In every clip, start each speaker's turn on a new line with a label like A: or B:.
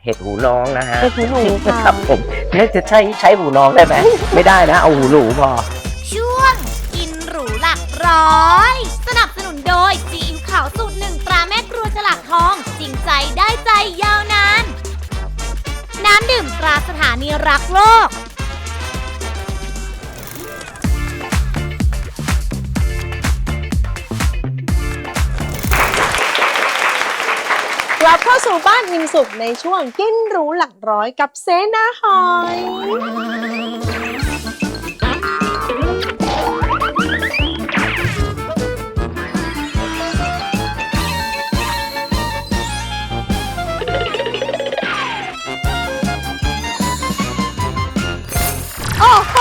A: ห็ดหูน้องนะฮะ
B: เห็ดหูหนูค่ะ
A: ครับผมนี่จะใช้หูน้องได้ไหม ไม่ได้นะเอาหูหนูพอ
C: ช่วงกินหรูหลักร้อยสนับสนุนโดยซีอิ๊วขาวสูตรหนึ่งตราแม่ครัวฉลากทองจริงใจได้ใจยาวนานน้ำดื่มตราสถานีรักโลก
B: กลับเข้าสู่บ้านอิ่มสุขในช่วงกินหรูหลักร้อยกับเสนาหอย โอ้โห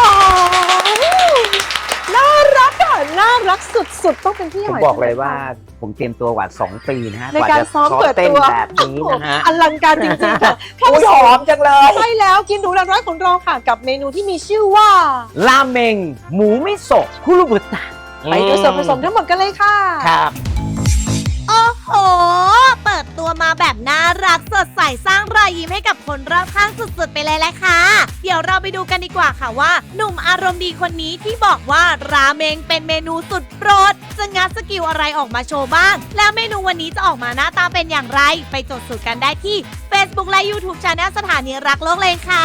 B: น่ารักอ่ะ น่ารักสุดๆ ต้องเป็นพี่ห
A: ผม
B: อย
A: บอกเลยว่าผมเตรียมตัวกว่า2 ปีนะฮะ
B: ในการซ้อมเปิด
A: เต้น
B: ตัว
A: แบบนี้นะฮะ
B: อลังการจริงๆค่ะเข้า
A: อุ้ย
B: สู่
A: หอมจังเลย
B: ใช่แล้วกินหรูหลักร้อยของเราค่ะกับเมนูที่มีชื่อว่า
A: ราเมงหมูมิโซะคุรุบุตะ
B: ไปดูส่วนผสมทั้งหมดกันเลยค่ะ
A: ครับ
C: โอ้โห เปิดตัวมาแบบน่ารักสดใสสร้างรอยยิ้มให้กับคนรอบข้างสุดๆไปเลยแหละค่ะ เดี๋ยวเราไปดูกันดีกว่าค่ะว่า หนุ่มอารมณ์ดีคนนี้ที่บอกว่าราเมงเป็นเมนูสุดโปรด จะงัดสกิลอะไรออกมาโชว์บ้าง แล้วเมนูวันนี้จะออกมาหน้าตาเป็นอย่างไร ไปจดสูตรกันได้ที่ Facebook และ YouTube Channel สถานีรักโลกเลยค่ะ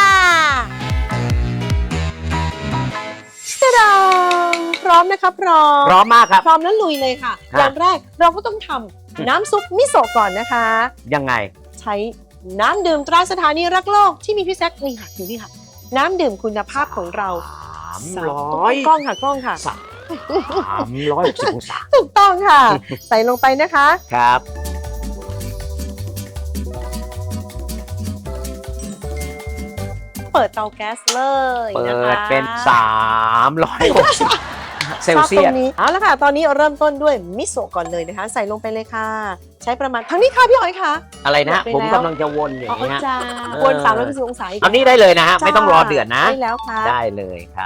B: ตะดามพร้อมนะคะพร้อม
A: พร้อมมากครับ
B: พร้อมแล้วลุยเลยค่ะ
A: ครับ
B: อย่างแรกเราก็ต้องทำน้ำซุปมิโซะก่อนนะคะ
A: ยังไง
B: ใช้น้ำดื่มตราสถานีรักโลกที่มีพี่แซคนี่ค่ะอยู่นี่ค่ะ น้ำดื่มคุณภาพของเรา
A: 300
B: กล้องค่ะกล้องค่ะ
A: 360 องศา
B: ถูกต้องค่ะ ใส่ลงไปนะคะ
A: ครับ
B: เปิดเตาแก๊สเลย
A: เปิ
B: นะคะ
A: ดเป็น 360 เซลเซีย
B: ชอบต
A: ส
B: รงนี้เอาละค่ะ ตอนนี้เริ่มต้นด้วยมิโซะก่อนเลยนะคะ ใส่ลงไปเลยค่ะ ใช้ประมาณทั้งนี้ค่ะพี่หอยค่ะ
A: อะไรนะ
B: หมดไป
A: ผม
B: แล้ว
A: กำลังจะวนอย่าง
B: อ๋อ
A: นี้ฮะ
B: จ้า
A: เออ
B: วน360องศาอีก
A: เอานี้ได้เลยนะฮะ ไม่ต้องรอเดือดนะ
B: ได้แล้วค่ะ
A: ได้เลยครับ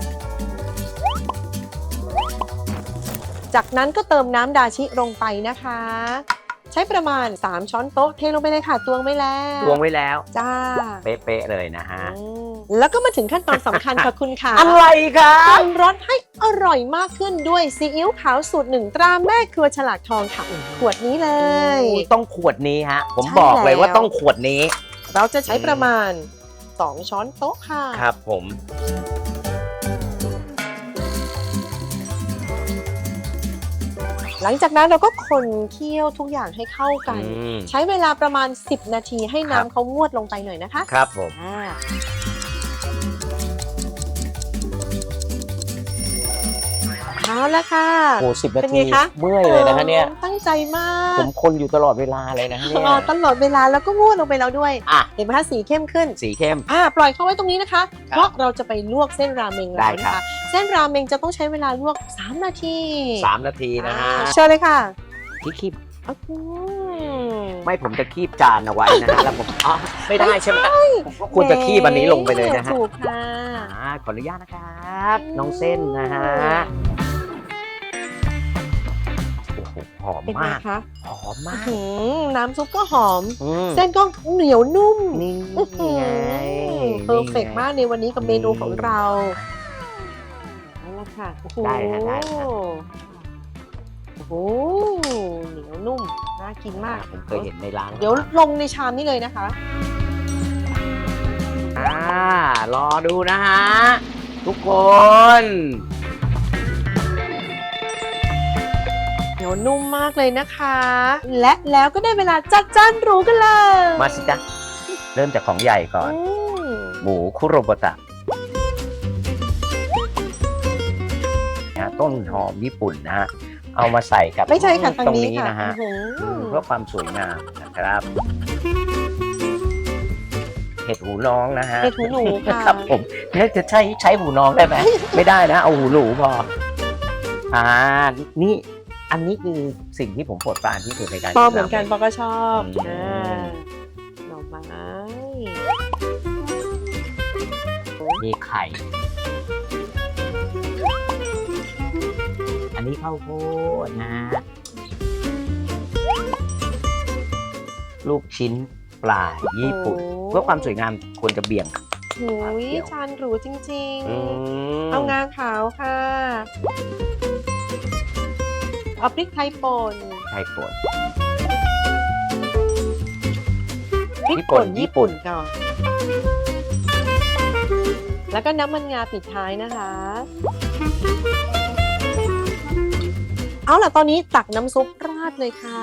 B: จากนั้นก็เติมน้ำดาชิลงไปนะคะ ใช้ประมาณ3ช้อนโต๊ะเทลงไปเลยค่ะตวงไว้แล้ว
A: ตวงไว้แล้ว
B: จ้า
A: เป๊ะๆเลยนะฮะ
B: แล้วก็มาถึงขั้นตอนสำคัญค่ะคุณค่ะ
A: อะไรครั
B: ปรุ
A: บ
B: งรสให้อร่อยมากขึ้นด้วยซีอิ๊วขาวสูตรหนึ่งตราแม่ครัวฉลากทองค่ะขวดนี้เลย
A: ต้องขวดนี้ฮะ ผม
B: ใช่
A: บอกเลยว่า
B: แล้ว
A: ต้องขวดนี้
B: เราจะใช้ประมาณ2ช้อนโต๊ะค่ะ
A: ครับผม
B: หลังจากนั้นเราก็คนเคี่ยวทุกอย่างให้เข้ากัน
A: อืม
B: ใช้เวลาประมาณ10 นาทีให้
A: ครับ
B: น้ำเขางวดลงไปหน่อยนะคะ
A: ครับผม
B: เอาละค่ะ
A: โอ้10 นา
B: เป็น
A: ที
B: ไงคะ
A: เมื่อยเลยนะฮะเนี่ย
B: ตั้งใจมาก
A: ผมคนอยู่ตลอดเวลาเลยนะฮะเนี่ย
B: ตลอดเวลาแล้วก็งวดลงไปแล้วด้วย
A: อ่ะ
B: เห็นไหมคะสีเข้มขึ้น
A: สีเข้ม
B: ปล่อยเข้าไว้ตรงนี้นะคะ เพราะเราจะไปลวกเส้นราเมงแล้ว
A: ได้
B: นะ
A: ครั
B: คะ
A: บ
B: เส้นราเมงจะต้องใช้เวลาลวก3 นาที
A: 3 นาทีนะฮะ
B: เชิญเลยค่ะ
A: คีบ
B: อืม
A: ไม่ผมจะคีบจานเอาไว้นะฮะ แล้วผมอ๋อไม่ได้ใช่ไหมผมก็ควรจะคีบอันนี้ลงไปเลยนะฮะ
B: ถูกค่ะ
A: ขออนุญาตนะครับ น้องเส้นนะฮะ โอ้โหหอม
B: เป็นไง
A: มาก
B: คะ
A: หอมมาก
B: น้ำซุปก็หอม
A: อืม
B: เส้นก็เหนียวนุ่ม
A: นี่ไง
B: เพอร์เฟกมากในวันนี้กับเมนูของเราเอาละค่ะโอ้โห
A: ได้ฮะได้ฮะ
B: โอ้โหเหนียวนุ่มน่ากินมาก
A: ผมเคยเห็นในร้าน
B: เดี๋ยวลงในชามนี้เลยนะคะ
A: รอดูนะฮะ ทุกคน
B: เหนียวนุ่มมากเลยนะคะ และแล้วก็ได้เวลาจัดจานหรูกันเลย
A: มาสิจ๊ะ เริ่มจากของใหญ่ก่อน
B: อืม
A: หมูคุโรบุตะนะต้นหอมญี่ปุ่นนะฮะ เอามาใส่กับ
B: ไม่ใช่ค่ะทาง
A: ตรง
B: นี้
A: นี้
B: ค่ะ
A: นะฮะ
B: อื้อหือ
A: เพื่อความสวยงามนะครับ เห็ดหูน้องนะฮะ
B: เห็ดหูหนูค่ะ
A: ครับผมนี่จะใช้หูน้องได้ไหม ไม่ได้นะ เอาหูหนูพอนี่อันนี้คือสิ่งที่ผมโปรดปรานที่สุดในการ
B: ปอเหมือนกันปอก็ชอบ
A: อืม
B: หน่อไม้
A: มีไข่ อันนี้ข้าวโพดนะ ลูกชิ้นปลาญี่ปุ่น เพื่อความสวยงามควรจะเบี่ยง
B: โอ้ยจานหรูจริง
A: อืม
B: เอางาขาวค่ะ เอาพริกไทยป่น
A: ไทยป่น
B: พริกป่นญี่ปุ่นก่อน แล้วก็น้ำมันงาปิดท้ายนะคะ เอาล่ะ ตอนนี้ตักน้ำซุปราดเลยค่ะ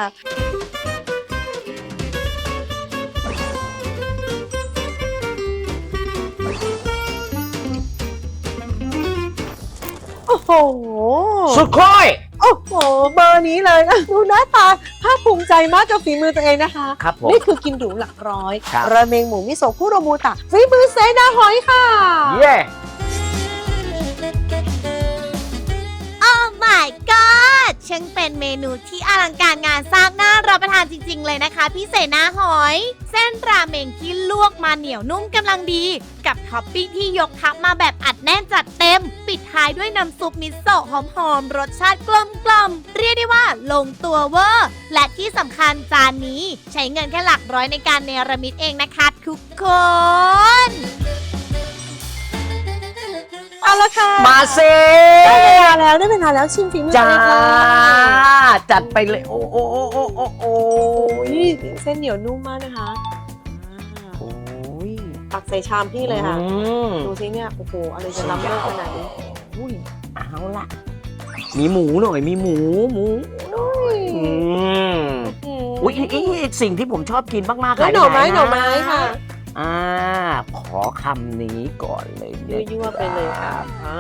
B: โอ้โห
A: สุดค่อย
B: โอ้โห เบอร์นี้เลยนะ ดูหน้าตาภาคภูมิใจมากกับฝีมือตัวเองนะคะ
A: ครับผม
B: นี่คือกินหรูหลักร้อย
A: ครับ
B: ราเมงหมูมิโซะคุโรมูตะฝีมือเซนาหอยค่ะ
A: เย้
C: โอ้ my god ช่างเป็นเมนูที่อลังการงานสร้างน่ารับประทานจริงๆเลยนะคะพี่เสนาหอย เส้นราเมงที่ลวกมาเหนียวนุ่มกำลังดี กับท็อปปิ้งที่ยกทับมาแบบอัดแน่นจัดเต็ม ปิดท้ายด้วยน้ำซุปมิโซะหอมๆรสชาติกลมๆเรียกได้ว่าลงตัวเวอร์ และที่สำคัญจานนี้ใช้เงินแค่หลักร้อยในการเนรมิตเองนะคะทุกคน
B: เอาละค่ะ
A: มาเซ
B: ได้เวลาแล้วชิมฝีมือ
A: จ้า
B: เลยค่ะ
A: จัดไปเลย โอ้โอ้โอ้โอ้โอ้โอ้
B: โอ้ยเส้นเหนียวนุ่มมากนะคะอ่า
A: โอ้ย
B: ตักใส่ชามพี่เลยค่ะ
A: อืม
B: ดูซิเนี่ย โอ้โห อะไรจะล้ำเลิศขนาดนี้
A: อุ้ยเอาละมีหมูหน่อย มีหมูอืมอุ้ยสิ่งที่ผมชอบกินมากๆ
B: แล้ว
A: ขาย
B: หน่อไม้
A: ป
B: หน่อไม้ค่ะ
A: ขอคำนี้ก่อนเลย
B: ยั่วๆไปเลยค่ะอ่า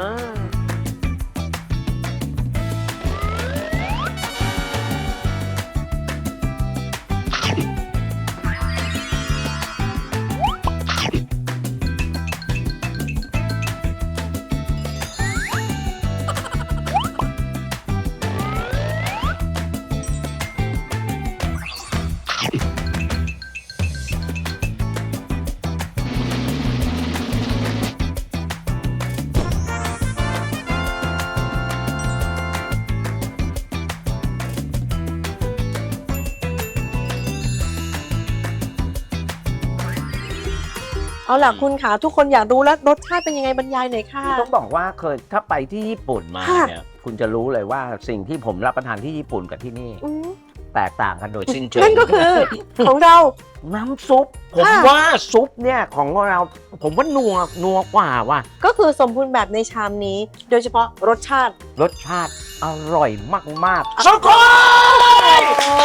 B: เอาล่ะคุณขาทุกคนอยากรู้แล้วรสชาติเป็นยังไงบรรยายหน่อยค่ะ
A: ต้องบอกว่าเคยถ้าไปที่ญี่ปุ่นมา
B: ค่ะ
A: เนี่ยคุณจะรู้เลยว่าสิ่งที่ผมรับประทานที่ญี่ปุ่นกับที่นี่
B: อืม
A: แตกต่างกันโดยสิ้นเชิง
B: นั่นก็คือ ของเรา
A: น้ำซุป ผม
B: ค่ะ
A: ว่าซุปเนี่ยของเรา ผมว่านัวกว่าว่ะ
B: ก็คือสมบูรณ์แบบในชามนี้ โดยเฉพาะรสชาติ
A: รสชาติอร่อยมากๆสุดยอด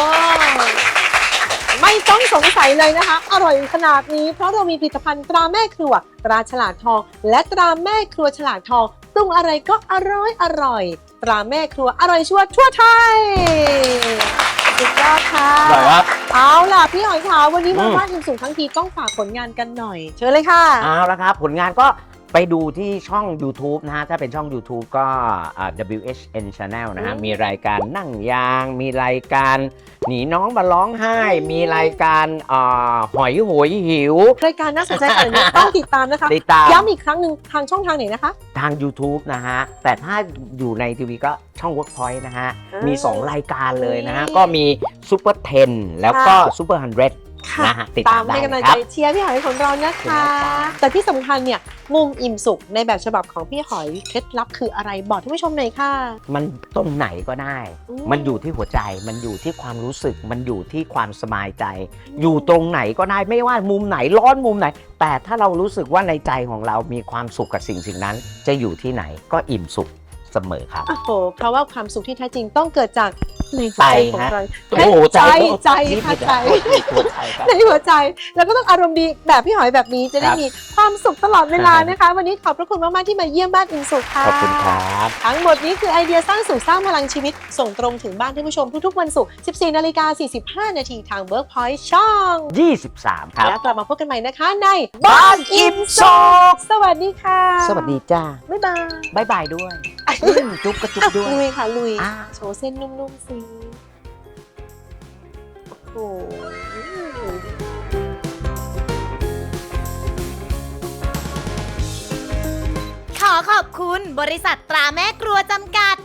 B: ไม่ต้องสงสัยเลยนะคะ อร่อยขนาดนี้เพราะเรามีผลิตภัณฑ์ตราแม่ครัวตราฉลากทอง และตราแม่ครัวฉลากทองปรุงอะไรก็อร่อยตราแม่ครัวอร่อยชัวร์ทั่วไทยสุดยอดค่ะ
A: อร่อยครับ
B: เอาล่ะพี่หอยขาววันนี้มา
A: อืม
B: บ้านอิ่มสุขทั้งทีต้องฝากผลงานกันหน่อย เชิญเลยค่ะ
A: เอาละครับ ผลงานก็ไปดูที่ช่อง YouTube นะฮะ ถ้าเป็นช่อง YouTube ก็WHN Channel นะฮะ
B: อืม
A: มีรายการนั่งยาง มีรายการหนีน้องมาร้องไห้ มีรายการหอยโหยหิว
B: รายการน่าสนใจขนาดนี้ต้องติดตามนะคะ
A: ติดตาม
B: ย้ำอีกครั้งหนึ่งทางช่องทางไหนนะคะ
A: ทาง YouTube นะฮะ แต่ถ้าอยู่ในทีวีก็ช่อง Workpoint นะฮะ
B: อ่ามี
A: มี 2 รายการเลยนะฮะ
B: นี่
A: ก็มี Super 10 แล้วก็ Super 100 นะฮะ ติด
B: ตา
A: ตาม มได้
B: ให้กำลั
A: นะ
B: ง
A: ค
B: ใจ
A: รับ
B: เชียร์พี่หอยของเรานะคะ แต่ที่สำคัญเนี่ยมุมอิ่มสุขในแบบฉบับของพี่หอยเคล็ดลับคืออะไรบอกท่านผู้ชมหน่อยค่ะ
A: มันตรงไหนก็ได้
B: อืม
A: มันอยู่ที่หัวใจ มันอยู่ที่ความรู้สึก มันอยู่ที่ความสบายใจ อยู่ตรงไหนก็ได้ ไม่ว่ามุมไหนร้อนมุมไหน แต่ถ้าเรารู้สึกว่าในใจของเรามีความสุขกับสิ่งนั้น จะอยู่ที่ไหนก็อิ่มสุขเสมอครับ
B: โอ้โหเพราะว่าความสุขที่แท้จริงต้องเกิดจากในหัวใจของเรา
A: โอ้โห
B: ใจ
A: ใจ
B: ค่ะใจ
A: หัวใจครับ
B: ในหัวใจแล้วก็ต้องอารมณ์ดีแบบพี่หอยแบบนี้จะได้
A: ครับ
B: มีความสุขตลอดเวลานะคะ วันนี้ขอบพระคุณมากๆที่มาเยี่ยมบ้านอิ่มสุขค่ะ
A: ขอบคุณครับ
B: ทั้งหมดนี้คือไอเดียสร้างสุขสร้างพลังชีวิต ส่งตรงถึงบ้านท่านผู้ชมทุกๆวันศุกร์ 14:45 นาทีทาง Workpoint ช่อง
A: 23 ครับ
B: แล้วกลับมาพบกันใหม่นะคะใน
A: บ้านอิ่มสุข
B: สวัสดีค่ะ
A: สวัสดีจ้า
B: บ๊ายบาย
A: บายบายด้วยจุ๊บกระจุ๊บ
B: อ่ะ
A: ด้วย
B: ลุยค่ะลุย
A: อ่า
B: โชว์เส้นนุ่มๆสิโอ้โห
C: ขอขอบคุณบริษัทตราแม่ครัวจำกัด